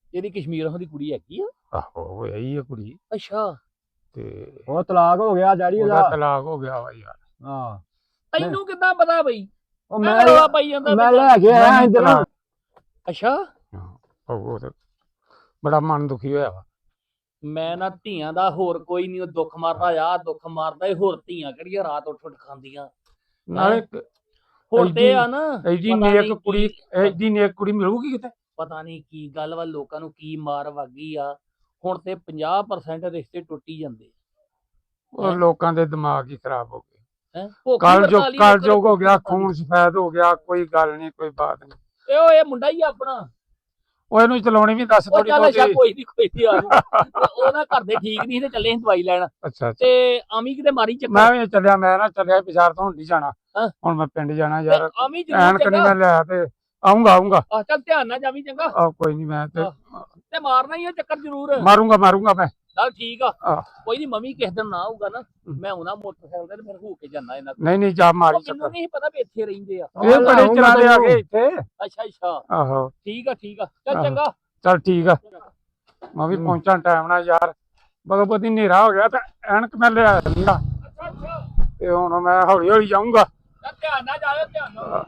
[SPEAKER 6] ਇਹਦੀ ਕਸ਼ਮੀਰ ਦੀ ਕੁੜੀ ਹੈਗੀ ਆ?
[SPEAKER 1] ਆਹੋ ਹੋਇਆ ਹੀ ਆ ਕੁੜੀ
[SPEAKER 6] ਅੱਛਾ
[SPEAKER 1] ਤੇ
[SPEAKER 7] ਉਹ ਤਲਾਕ ਹੋ ਗਿਆ ਡੈਡੀ
[SPEAKER 1] ਉਹਦਾ
[SPEAKER 7] ਉਹਦਾ
[SPEAKER 1] ਤਲਾਕ ਹੋ ਗਿਆ ਵਾ ਯਾਰ।
[SPEAKER 7] ਹਾਂ
[SPEAKER 6] ਤੈਨੂੰ ਕਿੱਦਾਂ ਪਤਾ ਬਈ?
[SPEAKER 7] ਉਹ
[SPEAKER 6] ਮੈਂ
[SPEAKER 7] ਮੈਂ
[SPEAKER 6] ਰੌਲਾ ਪਾਈ ਜਾਂਦਾ
[SPEAKER 7] ਮੈਂ
[SPEAKER 6] ਤੈਨੂੰ।
[SPEAKER 7] ਲੈ ਕੇ ਆਇਆ
[SPEAKER 1] ਨਹੀਂ
[SPEAKER 7] ਇੱਧਰ
[SPEAKER 1] ਤਲਾਕ।
[SPEAKER 6] ਅੱਛਾ
[SPEAKER 1] ਉਹ ਤੇ ਬੜਾ ਮਨ ਦੁਖੀ ਹੋਇਆ ਵਾ।
[SPEAKER 6] ਮੈਂ ਨਾ ਧੀਆਂ ਦਾ ਹੋਰ ਕੋਈ ਨਹੀਂ, ਉਹ ਦੁੱਖ ਮਾਰਦਾ ਆ ਦੁੱਖ ਮਾਰਦਾ ਇਹ, ਹੋਰ ਧੀਆਂ ਕਿਹੜੀਆਂ ਰਾਤ ਉੱਠ ਉੱਠ ਖਾਂਦੀਆਂ।
[SPEAKER 1] ਨਾਲੇ
[SPEAKER 6] ਹੁਣ ਤੇ ਆ ਨਾ
[SPEAKER 1] ਐਡੀ
[SPEAKER 6] ਪਤਾ
[SPEAKER 1] ਨੇਕ
[SPEAKER 6] ਨੀ
[SPEAKER 1] ਕੁੜੀ
[SPEAKER 6] ਕੀ-
[SPEAKER 1] ਐਡੀ ਨੇਕ ਕੁੜੀ ਮਿਲੂਗੀ ਕਿਤੇ?
[SPEAKER 6] ਪਤਾ ਨਹੀਂ ਕੀ ਗੱਲ ਵਾ, ਲੋਕਾਂ ਨੂੰ ਕੀ ਮਾਰ ਵਾਗੀ ਆ। ਹੁਣ ਤੇ ਪੰਜਾਹ ਪਰਸੈਂਟ ਰਿਸ਼ਤੇ ਟੁੱਟੀ ਜਾਂਦੇ
[SPEAKER 1] ਉਹ ਲੋਕਾਂ ਦੇ ਦਿਮਾਗ ਹੀ ਖਰਾਬ ਹੋ ਗਏ।
[SPEAKER 6] ਹੈ
[SPEAKER 1] ਕੱਲ ਜੋ ਕੱਲ ਜੋ ਹੋ ਗਿਆ, ਖੂਨ ਸਫੈਦ ਹੋ ਗਿਆ, ਕੋਈ ਗੱਲ ਨਹੀਂ ਕੋਈ ਬਾਤ ਨਹੀਂ।
[SPEAKER 6] ਤੇ ਉਹ ਇਹ ਮੁੰਡਾ ਹੀ ਆ ਆਪਣਾ।
[SPEAKER 1] ਉਹ ਇਹਨੂੰ ਚਲਾਉਣੀ ਵੀ ਦੱਸ
[SPEAKER 6] ਉਹ
[SPEAKER 1] ਥੋੜੀ
[SPEAKER 6] ਚੱਲ ਅੱਛਾ
[SPEAKER 1] ਬਹੁਤੀ।
[SPEAKER 6] ਕੋਈ ਨਹੀਂ ਕੋਈ ਨਹੀਂ ਆ ਜਾਊ। ਉਹ ਨਾ ਘਰ ਦੇ ਠੀਕ ਨਹੀਂ ਤੇ ਚੱਲੇ ਸੀ ਦਵਾਈ ਲੈਣ,
[SPEAKER 1] ਅੱਛਾ ਅੱਛਾ
[SPEAKER 6] ਤੇ ਆਮੀ ਕਿਤੇ ਮਾਰੀ ਚੱਕਰ।
[SPEAKER 1] ਮੈਂ ਵੀ ਚੱਲਿਆ, ਮੈਂ ਨਾ ਚੱਲਿਆ ਬਾਜ਼ਾਰ ਤੋਂ, ਹੁਣ ਨਹੀਂ ਜਾਣਾ।
[SPEAKER 6] ਹਾਂ।
[SPEAKER 1] ਹੁਣ ਮੈਂ ਪਿੰਡ ਜਾਣਾ ਯਾਰ,
[SPEAKER 6] ਤੇ ਆਮੀ ਜ਼ਰੂਰ
[SPEAKER 1] ਐਨਕ ਨਹੀਂ
[SPEAKER 6] ਚੰਗਾ।
[SPEAKER 1] ਮੈਂ ਲਿਆ ਤੇ ਆਉਂਗਾ ਆਉਂਗਾ।
[SPEAKER 6] ਆਹ ਚੱਲ ਧਿਆਨ ਨਾਲ ਜਾਵੀਂ ਚੰਗਾ,
[SPEAKER 1] ਆ ਕੋਈ ਨਹੀਂ ਮੈਂ ਤੇ
[SPEAKER 6] ਤੇ ਮਾਰਨਾ ਹੀ ਆ ਚੱਕਰ ਜ਼ਰੂਰ।
[SPEAKER 1] ਮਾਰੂੰਗਾ ਮਾਰੂੰਗਾ ਮੈਂ।
[SPEAKER 6] ਚੱਲ ਠੀਕ ਆ,
[SPEAKER 1] ਆਹ।
[SPEAKER 6] ਕੋਈ ਨਹੀਂ ਮੰਮੀ ਕਿਸੇ ਦਿਨ ਨਾ ਆਊਗਾ ਨਾ, ਮੈਂ ਉਹਨਾਂ ਮੋਟਰਸਾਈਕਲ ਤੇ ਫਿਰ ਹੋ ਕੇ ਜਾਣਾ ਇਹਨਾਂ ਕੋਲ।
[SPEAKER 1] ਨਹੀਂ ਨਹੀਂ ਜਾ ਮਾਰੀ
[SPEAKER 6] ਉਹ ਮੈਨੂੰ
[SPEAKER 1] ਚੱਕਰ।
[SPEAKER 6] ਨਹੀਂ ਪਤਾ ਵੀ ਇੱਥੇ ਰਹਿੰਦੇ ਆ।
[SPEAKER 1] ਇਹ ਬੜੇ ਚਲਾਦੇ ਆ ਗਏ ਇੱਥੇ।
[SPEAKER 6] ਅੱਛਾ ਅੱਛਾ
[SPEAKER 1] ਆਹੋ
[SPEAKER 6] ਠੀਕ ਆ ਠੀਕ ਆ, ਚੱਲ
[SPEAKER 1] ਆਹੋ।
[SPEAKER 6] ਚੰਗਾ।
[SPEAKER 1] ਚੱਲ ਠੀਕ ਆ, ਮੈਂ ਵੀ ਪਹੁੰਚਾਂ ਟਾਈਮ ਨਾਲ ਯਾਰ। ਬਗਪਤੀ ਹਨੇਰਾ ਹੋ ਗਿਆ ਤੇ ਐਨਕ ਮੈਂ ਲਿਆ ਨੀਗਾ
[SPEAKER 6] ਅੱਛਾ ਅੱਛਾ,
[SPEAKER 1] ਤੇ ਹੁਣ ਮੈਂ ਹੌਲੀ ਹੌਲੀ ਜਾਊਂਗਾ।
[SPEAKER 6] ਚੱਲ ਧਿਆਨ ਨਾਲ ਜਾਇਓ, ਧਿਆਨ ਨਾਲ।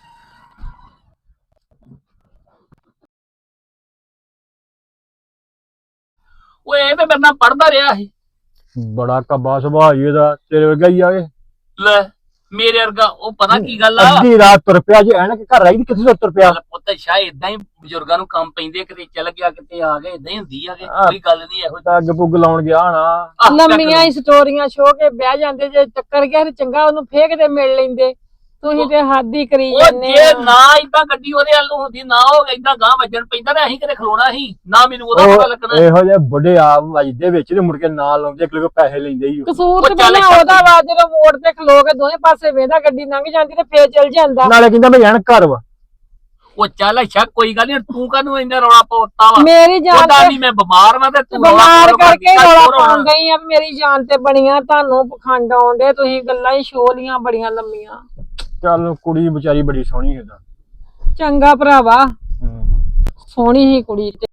[SPEAKER 6] ਓਏ ਇਹ ਤੇ ਮੇਰੇ ਨਾਲ ਪੜਦਾ ਰਿਹਾ ਸੀ।
[SPEAKER 7] ਬੜਾ ਕੱਬਾ ਸੁਭਾਅ ਹੀ ਇਹਦਾ, ਤੇਰੇ ਵਰਗਾ ਹੀ ਆ ਇਹ।
[SPEAKER 6] ਲੈ ਮੇਰੇ ਵਰਗਾ, ਉਹ ਪਤਾ ਕੀ ਗੱਲ ਆ,
[SPEAKER 7] ਅੱਧੀ ਰਾਤ ਤੁਰ ਪਿਆ ਜੇ ਐਨਕ ਘਰ ਰਹੀ ਕਿੱਥੇ ਤੁਰ ਪਿਆ।
[SPEAKER 6] ਚੱਲ ਪੁੱਤ ਸ਼ਾਇਦ ਇਦਾਂ ਹੀ ਬਜ਼ੁਰਗਾਂ ਨੂੰ ਕੰਮ ਪੈਂਦੇ, ਕਿਤੇ ਚੱਲ ਗਿਆ ਕਿਤੇ ਆ ਗਏ, ਇਦਾਂ ਹੀ ਹੁੰਦੀ ਆ ਕਿ
[SPEAKER 7] ਆਹ।
[SPEAKER 6] ਕੋਈ ਗੱਲ ਨਹੀਂ ਇਹੋ ਜਿਹੀ।
[SPEAKER 7] ਅੱਗ ਪੁੱਗ ਲਾਉਣ ਗਿਆ ਨਾ।
[SPEAKER 6] ਆਹ,
[SPEAKER 5] ਲੰਮੀਆਂ ਹੀ ਸਟੋਰੀਆਂ ਛੋ ਕੇ ਬਹਿ ਜਾਂਦੇ, ਜੇ ਚੱਕਰ ਗਿਆ ਤੇ ਚੰਗਾ ਉਹਨੂੰ ਫੇਕ ਦੇ ਮਿਲ ਲੈਂਦੇ। ਤੁਸੀਂ ਤੇ ਹੱਦ ਹੀ ਕਰੀ
[SPEAKER 6] ਉਹ
[SPEAKER 5] ਜਾਂਦੇ
[SPEAKER 6] ਜੇ
[SPEAKER 5] ਆ।
[SPEAKER 6] ਨਾ ਇਦਾਂ ਗੱਡੀ ਉਹਦੇ ਵੱਲ ਨੂੰ ਹੁੰਦੀ, ਨਾ ਉਹ ਇਦਾਂ ਗਾਂ ਵੱਜਣ ਪੈਂਦਾ ਨਾ, ਅਸੀਂ ਕਿਤੇ ਖਲੋਣਾ ਸੀ ਨਾ, ਮੈਨੂੰ ਉਹਦਾ ਪਤਾ ਲੱਗਣਾ।
[SPEAKER 7] ਉਹ ਇਹੋ ਜਿਹੇ ਬੁੱਢੇ ਆਪ ਵੱਜਦੇ ਵਿੱਚ ਤੇ ਮੁੜ ਕੇ ਨਾਲ ਲਾਉਂਦੇ, ਇੱਕ ਲੋਕ ਪੈਸੇ ਲੈਂਦੇ ਹੀ।
[SPEAKER 5] ਕਸੂਰ
[SPEAKER 6] ਉਹ
[SPEAKER 5] ਤੇ
[SPEAKER 6] ਚੱਲ
[SPEAKER 5] ਪਹਿਲਾਂ
[SPEAKER 6] ਛੱਡ।
[SPEAKER 5] ਉਹਦਾ ਵਾ, ਜਦੋਂ ਮੋੜ ਤੇ ਖਲੋ ਕੇ ਦੋਵੇਂ ਪਾਸੇ ਵੇਂਦਾ ਗੱਡੀ ਲੰਘ ਜਾਂਦੀ ਤੇ ਫੇਰ ਚਲ ਜਾਂਦਾ।
[SPEAKER 7] ਨਾਲੇ ਕਹਿੰਦਾ ਮੈਂ ਐਨਕ ਘਰ ਵਾ।
[SPEAKER 6] ਉਹ ਚੱਲ ਅੱਛਾ ਕੋਈ ਗੱਲ ਨਹੀਂ, ਤੂੰ ਕਾਹਨੂੰ ਇੰਨਾ ਰੌਲਾ ਪਾਉਂਦਾ ਵਾ?
[SPEAKER 5] ਮੇਰੀ ਜਾਨ
[SPEAKER 6] ਉਹਦਾ
[SPEAKER 5] ਤੇ
[SPEAKER 6] ਨਹੀਂ ਮੈਂ ਬਿਮਾਰ ਵਾਂ ਤੇ ਤੂੰ ਰੌਲਾ
[SPEAKER 5] ਬਿਮਾਰ
[SPEAKER 6] ਪਾਉਣ
[SPEAKER 5] ਕਰਕੇ
[SPEAKER 6] ਲੱਗੀ,
[SPEAKER 5] ਰੌਲਾ
[SPEAKER 6] ਹੋਰ ਹੋਣਾ।
[SPEAKER 5] ਪਾਉਣ ਡਈ ਆ ਵੀ ਮੇਰੀ ਜਾਨ ਤੇ ਬਣੀਆਂ, ਤੁਹਾਨੂੰ ਪਖੰਡ ਆਉਂਦੇ, ਤੁਸੀਂ ਗੱਲਾਂ ਹੀ ਸ਼ੋਲੀਆਂ ਬੜੀਆਂ ਲੰਮੀਆਂ।
[SPEAKER 7] ਚੱਲ ਕੁੜੀ ਵਿਚਾਰੀ ਬੜੀ ਸੋਹਣੀ ਇਹਦਾ।
[SPEAKER 5] ਚੰਗਾ ਭਰਾਵਾ, ਸੋਹਣੀ ਹੀ ਕੁੜੀ ਤੇ